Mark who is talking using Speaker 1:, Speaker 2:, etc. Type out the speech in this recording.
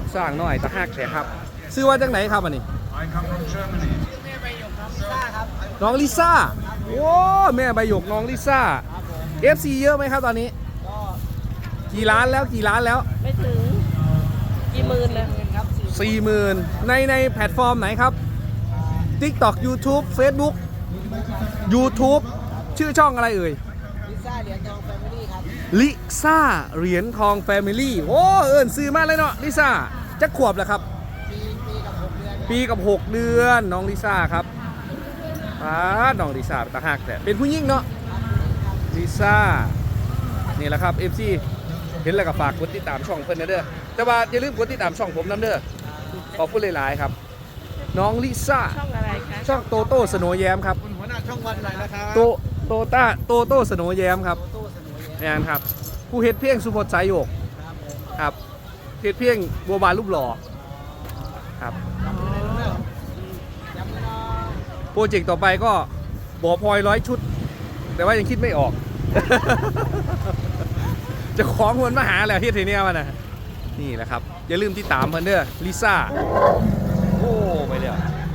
Speaker 1: สร้างน้อยตะหักแท้ครับซื้อว่าจากไหนครับอันนี้น้องลิซ่าโอ้แม่ใบหยกน้องลิซ่า FC เยอะไหมครับตอนนี้กี่ล้านแล้ว
Speaker 2: ไม่ถึงกี่หมื่นเลยครับ
Speaker 1: 40,000ในแพลตฟอร์มไหนครับ TikTok YouTube Facebook YouTube ชื่อช่องอะไรเอ่ย
Speaker 2: ลิซ่าเหรียญทองแฟมิลี่ครับ
Speaker 1: ลิซ่าเหรียญทองแฟมิลี่โอ้เอิญซื้อมาเลยเนาะลิซ่าจะขวบแล้วครับปีกับ 6 เดือนน้องลิซ่าครับน้องลิซ่าตาหักแต่เป็นผู้หญิงเนาะลิซ่านี่แหละครับ FC เห็นแล้วก็ฝากกดติดตามช่องเพิ่นนะเด้อแต่ว่าอย่าลืมกดติดตามช่องผมนำเด้อขอบคุณหลายๆครับน้องลิซ่า
Speaker 2: ช่องอะไรคะ
Speaker 1: ช่องโตโต้สโนว์แยมครับ
Speaker 2: หัวหน้าช่องวันไหนนะครับ
Speaker 1: โตโต้สโนว์แยมครับนี่นครับผู้เฮ็ดเพียงสุพจน์สายโยกครับเฮ็ดเพียงบัวบานรูปหล่อครับโปรเจกต์ต่อไปก็บ่อพลอย100 ชุดแต่ว่ายังคิดไม่ออก จะของวนมาหาแล้วเฮ็ดทีเนี้ยมันนะนี่แหละครับอย่าลืมติดตามเพิ่นเด้อลิซ่าโอ้ไปเลย